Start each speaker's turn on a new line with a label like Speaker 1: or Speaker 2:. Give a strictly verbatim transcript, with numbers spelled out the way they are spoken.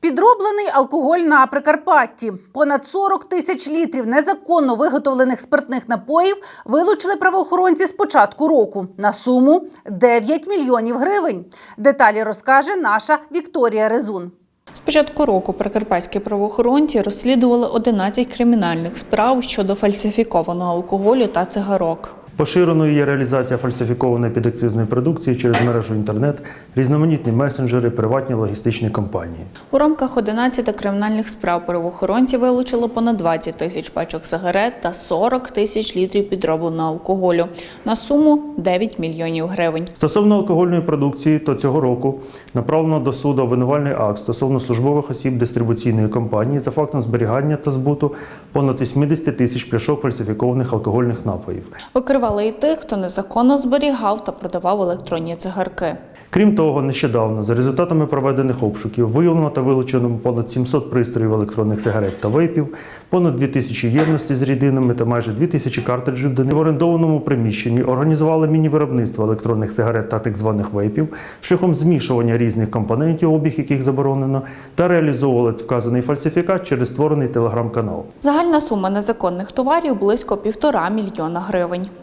Speaker 1: Підроблений алкоголь на Прикарпатті. Понад сорок тисяч літрів незаконно виготовлених спиртних напоїв вилучили правоохоронці з початку року на суму дев'ять мільйонів гривень. Деталі розкаже наша Вікторія Резун.
Speaker 2: З початку року прикарпатські правоохоронці розслідували одинадцять кримінальних справ щодо фальсифікованого алкоголю та цигарок.
Speaker 3: Поширеною є реалізація фальсифікованої підакцизної продукції через мережу інтернет, різноманітні месенджери, приватні логістичні компанії.
Speaker 2: У рамках одинадцяти кримінальних справ правоохоронці вилучили понад двадцять тисяч пачок сигарет та сорок тисяч літрів підробленого алкоголю на суму дев'ять мільйонів гривень.
Speaker 3: Стосовно алкогольної продукції, то цього року направлено до суду обвинувальний акт стосовно службових осіб дистрибуційної компанії за фактом зберігання та збуту понад вісімдесят тисяч пляшок фальсифікованих алкогольних напоїв.
Speaker 2: Викривали і тих, хто незаконно зберігав та продавав електронні цигарки.
Speaker 3: Крім того, нещодавно, за результатами проведених обшуків, виявлено та вилучено понад сімсот пристроїв електронних сигарет та вейпів, понад дві тисячі ємностей з рідинами та майже дві тисячі картриджів, де в орендованому приміщенні організували міні-виробництво електронних сигарет та так званих вейпів, шляхом змішування різних компонентів, обіг яких заборонено, та реалізовували вказаний фальсифікат через створений телеграм-канал.
Speaker 2: Загальна сума незаконних товарів – близько півтора мільйона гривень.